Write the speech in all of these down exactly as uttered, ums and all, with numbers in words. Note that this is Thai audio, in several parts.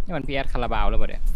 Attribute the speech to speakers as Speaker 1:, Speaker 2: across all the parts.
Speaker 1: นี่มันพีแอดคาราบาวแล้วเปล่าเนี่ย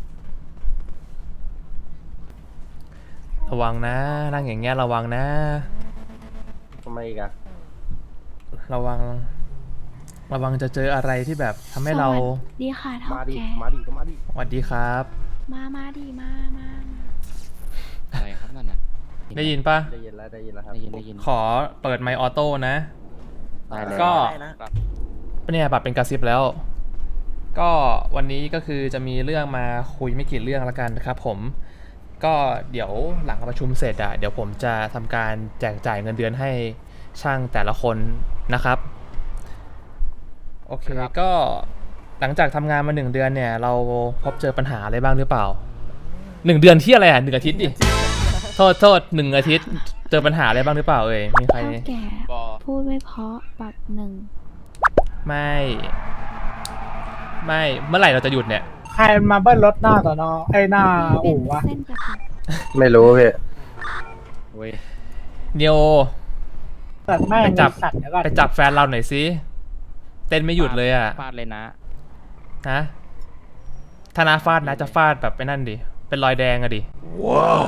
Speaker 2: ระวังนะนั่งอย่างเงี้ยระวังนะ
Speaker 3: ทำไมอีกอะ
Speaker 2: ระวังระวังจะเจออะไรที่แบบทำให้เรา
Speaker 4: ดีค่ะเท่า
Speaker 3: มาดิ
Speaker 4: แก
Speaker 3: มาดิก็มาดิ
Speaker 2: สวัสดีครับ
Speaker 4: มามาดีมามามา
Speaker 1: อะไรครับนั่นนะ
Speaker 2: ได้ยินปะ
Speaker 3: ได้ยินแล้วได้ยินแล้วครับ
Speaker 1: ได้ยินได้ยิน
Speaker 2: ขอเปิดไมค์ออโต้นะ
Speaker 1: ได้เลย
Speaker 2: ก็
Speaker 1: ครับ
Speaker 2: เนี่ยปรับเป็นกระซิบแล้ว ก็วันนี้ก็คือจะมีเรื่องมาคุยไม่กี่เรื่องละกันนะครับผมก็เดี๋ยวหลังประชุมเสร็จอะเดี๋ยวผมจะทำการแจกจ่ายเงินเดือนให้ช่างแต่ละคนนะครับโอเคก็หลังจากทำงานมาหนึ่งเดือนเนี่ยเราพบเจอปัญหาอะไรบ้างหรือเปล่าหนึ่งเดือนที่อะไรอ่ะหนึ่งอาทิตย์ดิ โทษโทษหนึ่งอาทิตย์เจอปัญหาอะไรบ้างหรือเปล่าเอ่ยมีใคร
Speaker 4: เท่าแก
Speaker 1: บอ
Speaker 4: พูดไม่เพราะปรับหนึ่ง
Speaker 2: ไม่ไม่เมื่อไหร่เราจะหยุดเนี่ย
Speaker 5: ใครมาเบิ้ลรถหน้าต่อนอไอ้หน้า
Speaker 4: เป็น
Speaker 5: อู่วะ
Speaker 4: เส้นกระติก
Speaker 3: ไม่รู้พี่
Speaker 1: เว้ย
Speaker 2: เนียว
Speaker 5: สัตว์แม่ง
Speaker 2: ไปจับ
Speaker 5: สัตว์เดี๋ยวก่อน
Speaker 2: ไปจับแฟนเราหน่อยสิเต้นไม่หยุดเลยอ่ะ
Speaker 1: ฟาดเลยนะ
Speaker 2: ฮะถ้านาฟาดนะจะฟาดแบบไปนั่นดิเป็นรอยแดงอะดิว้าว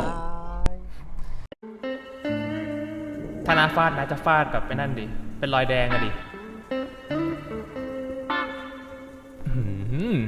Speaker 2: ถ้านาฟาดนะจะฟาดแบบไปนั่นดิเป็นรอยแดงอะดิอื้อหือ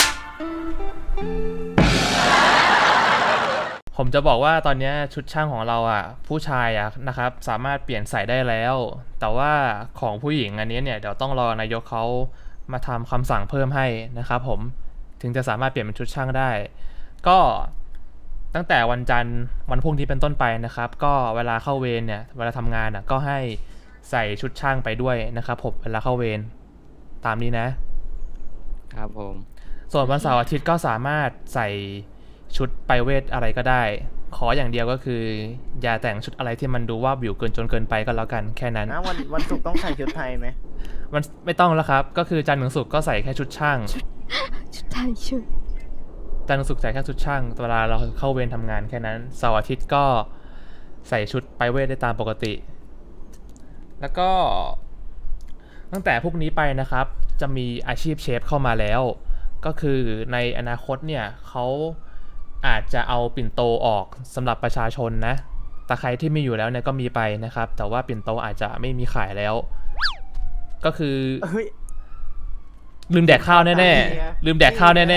Speaker 2: ผมจะบอกว่าตอนนี้ชุดช่างของเราอ่ะผู้ชายอ่ะนะครับสามารถเปลี่ยนใส่ได้แล้ว แต่ว่าของผู้หญิงอันนี้เนี่ยเดี๋ยวต้องรอนายกเขามาทำคำสั่งเพิ่มให้นะครับผมถึงจะสามารถเปลี่ยนเป็นชุดช่างได้ ก็ตั้งแต่วันจันทร์วันพรุ่งนี้เป็นต้นไปนะครับก็เวลาเข้าเวรเนี่ยเวลาทำงานอ่ะก็ให้ใส่ชุดช่างไปด้วยนะครับผมเวลาเข้าเวรตามนี้นะครับ
Speaker 1: ผม
Speaker 2: ส่วนวันเสาร์อาทิตย์ก็สามารถใส่ชุดไปเวทอะไรก็ได้ ขออย่างเดียวก็คืออย่าแต่งชุดอะไรที่มันดูว่าบิวเกินจนเกินไปก็แล้วกันแค่นั้น
Speaker 6: นะวันวันศุกร์ต้องใส่ชุดไทยไหม
Speaker 2: มันไม่ต้องแล้วครับก็คือจันทร์ถึงศุกร์ก็ใส่แค่ชุดช่าง
Speaker 4: ชุดไทยชุด
Speaker 2: จันทร์ถึงศุกร์ใส่แค่ชุดช่างเวลาเราเข้าเวรทำงานแค่นั้นเสาร์อาทิตย์ก็ใส่ชุดไปเวทได้ตามปกติ แล้วก็ตั้งแต่พวกนี้ไปนะครับจะมีอาชีพเชฟเข้ามาแล้ว ก็คือในอนาคตเนี่ยเขาอาจจะเอาปิ่นโตออกสำหรับประชาชนนะแต่ใครที่มีอยู่แล้วเนี่ยก็มีไปนะครับแต่ว่าปิ่นโตอาจจะไม่มีขายแล้ว ก็คือ
Speaker 6: เฮ้ย
Speaker 2: ลืมแดกข้าวแน่ๆลืมแดกข้าวแน่ๆ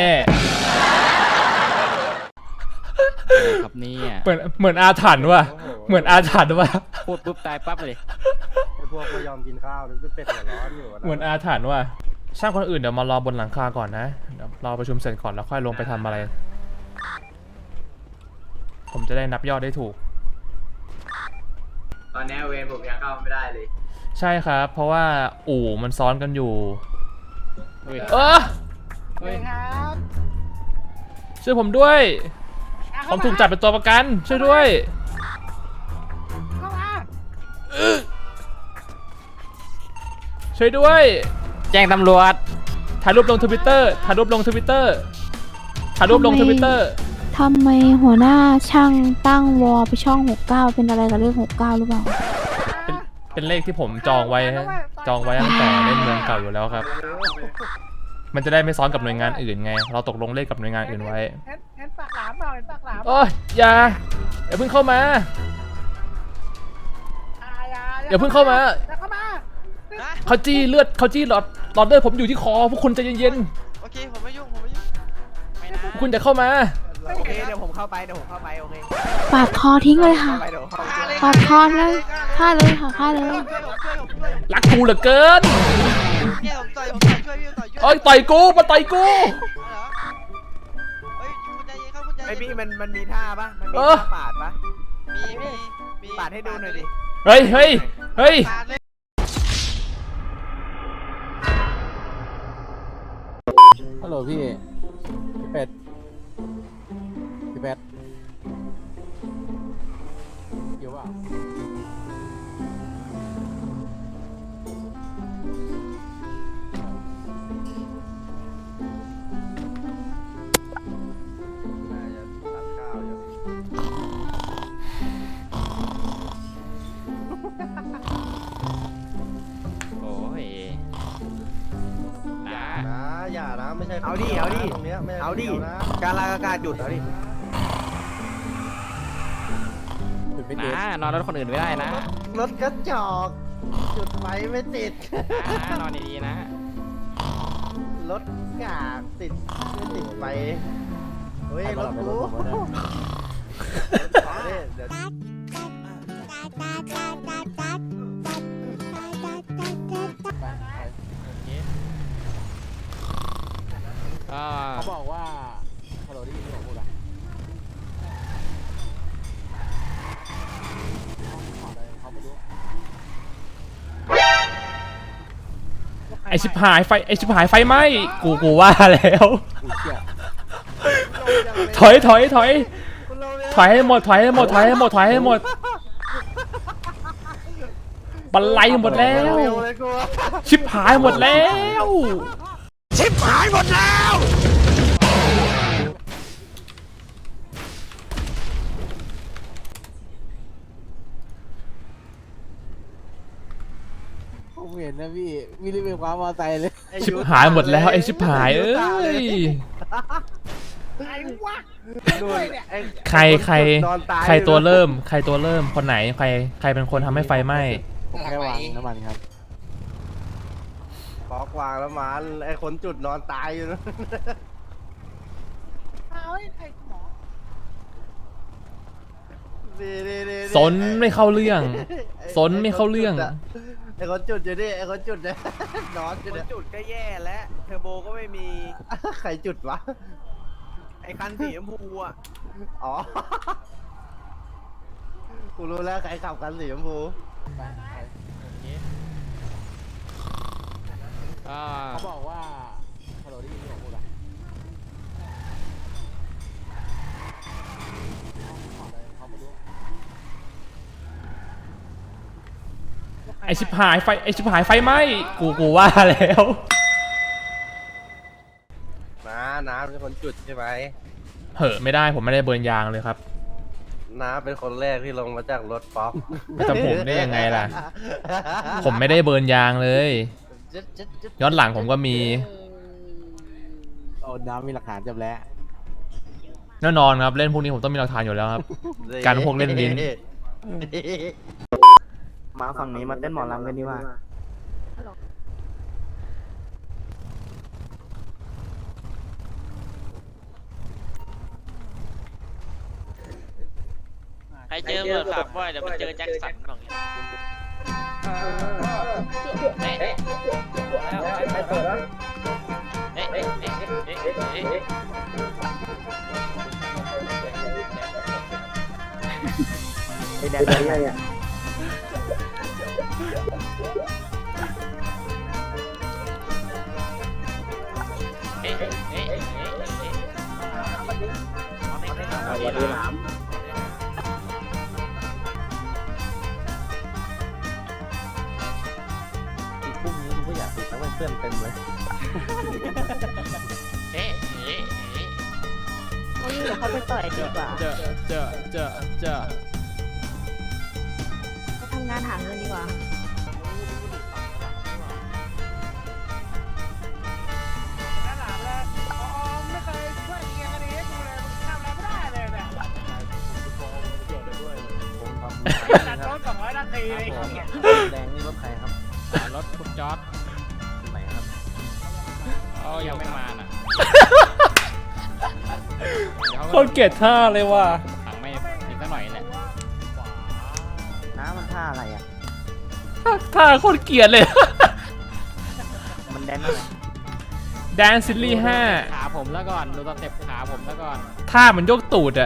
Speaker 1: อะไรครับเนี่ย
Speaker 2: เหมือนเหมือนอาถรรพ์ว่ะเหมือนอาถรรพ์ว่ะ
Speaker 1: พูดปุ๊บตายปั๊บเลย
Speaker 3: ไอพวกไม่ยอมกินข้าวนึกว่าเป็ดหัวร้อนอยู่ะ
Speaker 2: เหมือนอาถรรพ์ว่ะช่างคนอื่นเดี๋ยวมารอบนหลังคาก่อนนะเดี๋ยวรอประชุมเสร็จก่อนแล้วค่อยลงไปทำอะไร ผมจะได้นับยอดได้ถูก
Speaker 6: ตอนนี้เวรผมยังเข้าไม่ได้เลย
Speaker 2: ใช่ครับ เพราะว่าอู่มันซ้อนกันอยู่
Speaker 1: เฮ้ย
Speaker 2: เออ
Speaker 1: เฮ้ย
Speaker 5: ครับ
Speaker 2: ช่วยผมด้วย ผมถูกจับเป็นตัวประกันช่วยด้วย
Speaker 5: เข้ามา
Speaker 2: ช่วยด้วย
Speaker 1: แจ้งตำรวจ
Speaker 2: ถ่ายรูปลงทวิตเตอร์ถ่ายรูปลงทวิตเตอร์ถ่ายรูปลงทวิตเตอร์
Speaker 4: ทำไมหัวหน้าช่างตั้งวอลไปช่องหกเก้าเป็นอะไรกับเรื่องหกเก้าหรือเปล่า
Speaker 2: เป็นเป็นเลขที่ผมจองไว้ฮะจองไว้ตั้งแต่เล่นเมืองเก่าอยู่แล้วครับ มันจะได้ไม่ซ้อนกับหน่วยงานอื่นไง เราตกลงเลขกับหน่วยงานอื่นไว้
Speaker 5: เห็นเห็นปากหลามเปล่าเห็นปากหลาม
Speaker 2: โอ้ยอย่าอย่าเพิ่งเข้ามา อย่าเพิ่งเข้ามา
Speaker 5: อย่าเข้ามา
Speaker 2: เขาจี้เลือดเขาจี้หลอดหลอดเลือดผมอยู่ที่คอพวกคุณใจเย็น
Speaker 6: โอเค ผมไม่ยุ่ง ผมไม่ยุ่ง ไม่นะ
Speaker 2: ๆพวกคุณจะเข้ามา
Speaker 6: โอเค เดี๋ยวผมเข้าไป เดี๋ยวผมเข้าไป โอเค
Speaker 4: ปาดคอทิ้งเลยค่ะ
Speaker 6: เข้าไปเดี๋ยวเข้าไป
Speaker 4: ปาดคอเลยฆ่าเลยค่ะฆ่าเลย
Speaker 6: ช่วยผมช่วยผมช่วย
Speaker 2: รักกูเหลือเกิน
Speaker 6: เนี่ยผมต่อยผมต่อยช่วยพี่ต่อยช่วย
Speaker 2: เอ้ยต่อยกูมาต่อยกู
Speaker 6: เหรอเฮ้ยคุณใจเย็นครับคุณใจเย็นไอพี่มันมันมีท่าปะมันมี
Speaker 2: เออ
Speaker 6: ท่าปาดปะมีมีมีปาดให้ดูหน่อยดิ
Speaker 2: เฮ้ยเฮ้ยเฮ้ย
Speaker 6: ปาดเลย
Speaker 7: ฮัลโหลพี่ พี่เป็ด พี่เป็ดอยู่เปล่า
Speaker 3: น่าจะตัดข้าวอยู่
Speaker 1: โอ้ยนะ
Speaker 3: นะอย่านะไม่ใช่
Speaker 6: เอาดิเอาดิ
Speaker 3: ตรงเนี้ยไม่ใช่
Speaker 6: เอาดิ
Speaker 3: คนยวนะ
Speaker 6: การลากอากาศหยุดเอาดิ
Speaker 7: จุดไม่ติด
Speaker 1: นะนอนรถคนอื่นไม่ได้นะ
Speaker 3: รถกระจอกจุดไฟไม่ติด
Speaker 1: นะนอนดีๆนะ
Speaker 3: รถกากติดไม่ติดไฟเฮ้ย
Speaker 7: ใคร
Speaker 3: ร
Speaker 7: มาหล
Speaker 3: ถ
Speaker 7: อกไป
Speaker 3: กู
Speaker 7: รถผมวะเนี่ย
Speaker 3: เดี๋ยวเดี๋ยว
Speaker 1: อ่า
Speaker 7: เขาบอกว่าฮัลโหลได้ยินที่ผมพูดอะเขาไม่รู้
Speaker 2: ไอชิบหายไฟไอชิบหายไฟไหมกูกูว่าแล้ว
Speaker 7: อุ้ยเชี่ย
Speaker 2: ถอยถอยถอยถอยให้หมดถอยให้หมดถอยให้หมดถอยให้หมดบันไลหมดแล้ว
Speaker 3: เร็วเลยกู
Speaker 2: ชิบหายหมดแล้ว
Speaker 7: ผมเห็นนะพี่วิลลี่เป็นความมอไซค์เลย
Speaker 2: ชิบหายหมดแล้วไอชิบหายเอ้ย
Speaker 5: ไอ้วะ
Speaker 3: นู่นไอ้
Speaker 2: ใครใคร
Speaker 3: นอนตาย
Speaker 2: ใครตัวเริ่ม ใครตัวเริ่มคนไหนใครใครเป็นคนทำให้ไฟไหม้
Speaker 7: ผมแค่วางน้ำมันครับ
Speaker 3: ปอกวางแล้วมันไอ้คนจุดนอนตายอยู่นะ
Speaker 5: เอาไอ้ไอ้หมอ
Speaker 3: ดีดีดี
Speaker 2: สนไม่เข้าเรื่อง สนไม่เข้าเรื่อง
Speaker 3: ไอ้คนจุดอยู่ดิไอ้คนจุดเนี่ยนอนอยู่
Speaker 6: คน
Speaker 3: เนี่ย
Speaker 6: จุดก็แย่แล้วเทอร์โบก็ไม่มี
Speaker 3: ใครจุดวะ
Speaker 6: ไอ้คันสีชมพูอ่ะ
Speaker 3: อ๋อ กูรู้แล้วใครขับกันสีชมพู
Speaker 1: อ่า
Speaker 7: เขาบอกว่าฮัลโหลได้ยินที่ผมพูดอะเขาไม่รู้
Speaker 2: ไอชิบหายไฟไอชิบหายไฟไหมกูกูว่าแล้ว
Speaker 3: น้าน้าเป็นคนจุดใช่ไหม
Speaker 2: เหอะไม่ได้ผมไม่ได้เบิร์นยางเลยครับ
Speaker 3: น้าเป็นคนแรกที่ลงมาจากรถป๊อก
Speaker 2: ไม่ต้องผมได้ยังไงล่ะ ผมไม่ได้เบิร์นยางเลย ย้อนหลังผมก็มี
Speaker 7: โอ้น้ำมีหลักฐานจำแล้ว
Speaker 2: แน่นอนครับเล่นพวกนี้ผมต้องมีหลักฐานอยู่แล้วครับ การพวกเล่นลิ้น
Speaker 3: มาฝั่งนี้มาเต้นหมอลำกันดีกว่า
Speaker 8: ใครเจอเบิร์ดฝากบ่อยเดี๋ยวไปเจอแจ็คสันบอกอย่างเอ๊ะเอ๊ะเอ๊ะเอ๊ะเอ๊ะเอ๊ะเอ๊ะเอ๊ะ
Speaker 3: ไอ้แดงอะไรอ่ะ
Speaker 8: เอ๊ะเอ๊ะเอ๊ะเอ๊ะเอ๊ะเอาเด็กเด็กเอาเด็ก
Speaker 3: ดีหลาม อีกพรุ่งนี้กูก็อยากติดแล้วเพื่อนเต็มเลย
Speaker 8: เอ๊ะเอ๊ะเอ๊ะ
Speaker 4: วันนี้เดี๋ยวเขาไปต่อยดีกว่า
Speaker 1: เจอเจอเจอเจอ
Speaker 4: ไปทำงานหาเงินดีกว่า
Speaker 5: นั่นแหละเลยอ๋อไม่เคยช่วยเกียร์กันนี้ให้กูเลยมึงทำอะไรไม่ได้เลยเนี่ยจัดโต๊ะสองร้อยนาทีเลยไอ้เหี้ย
Speaker 3: แดงนี่รถใครครับ
Speaker 1: อ่ารถคุณจอร์ด
Speaker 3: ไหนครับ
Speaker 1: เขายังไม่มาน่ะเดี๋ยว
Speaker 2: โคตรเกลียดท่าเลยว่ะ
Speaker 1: ถังไม่อีกสักหน่อยแหละ
Speaker 3: น้ามันท่าอะไรอ่ะ
Speaker 2: ท่าโคตรเกลียดเลย
Speaker 3: มันแดนอะไร
Speaker 2: แดนซิลลี่ห้า
Speaker 1: ขาผมแล้วก่อนดูสเต็ปขาผมแล้วก่อน
Speaker 2: ท่ามันยกตูดอะ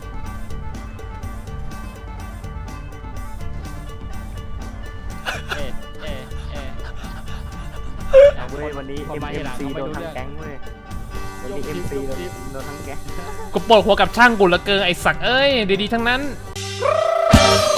Speaker 1: เอ๊ะเอ๊ะเอ๊ะ
Speaker 3: เว้ยวันนี้
Speaker 1: พอมาทีหลังเขาไม่รู้เรื่อง
Speaker 3: เว้ยวันนี้ เอ็ม ซี โดนโดนทั้งแก๊ง
Speaker 2: กูปวดหัวกับช่างกูเหลือเกินไอสักเอ้ยดีๆทั้งนั้น